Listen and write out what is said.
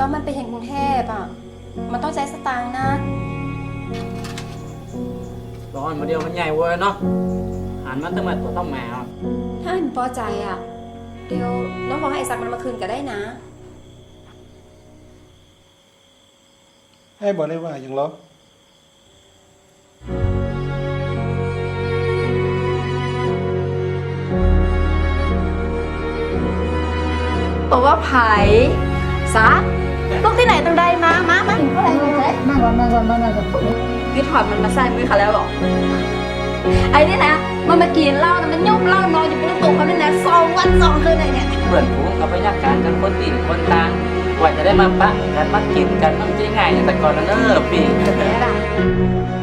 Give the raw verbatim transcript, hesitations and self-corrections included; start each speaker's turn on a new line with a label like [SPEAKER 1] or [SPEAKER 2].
[SPEAKER 1] ตอนมันไปเห็นกรุงเทพอ่ะมันต้องใช้สตางค์นะ
[SPEAKER 2] ร้อนมาเดียวมันใหญ่เว้ยเนาะหันมาตั้งแต่ตัวต้องแมว
[SPEAKER 1] ถ้ามันพอใจอ่ะเดี๋ยวน้องบอกให้ไอ้สักมันมาคืนก็ได้นะ
[SPEAKER 3] ให้บอกได้ว่าอย่างเหรอ
[SPEAKER 1] บอกว่าไผ่ซักลูกที่ไหนต้องได้มามามาถึงเท่าไหร่เลยมาก่อนมาก่อนมาก่อนนี่ถอดมันมาใส่มือเขาแล้วหรอไอ้นี่นะมันมากินเหล้านะมันยุ่มเหล้านอนอยู่บนตู้เขาเนี่ยนะสองวันสองคืนเลยเนี่ย
[SPEAKER 2] เพื่อนฝูงกับพยาการกันคนตีนคนตางกว่าจะได้มาปะกันมากินกันต้องใจง่ายอย่างแต่ก่อนนะเนอะพี่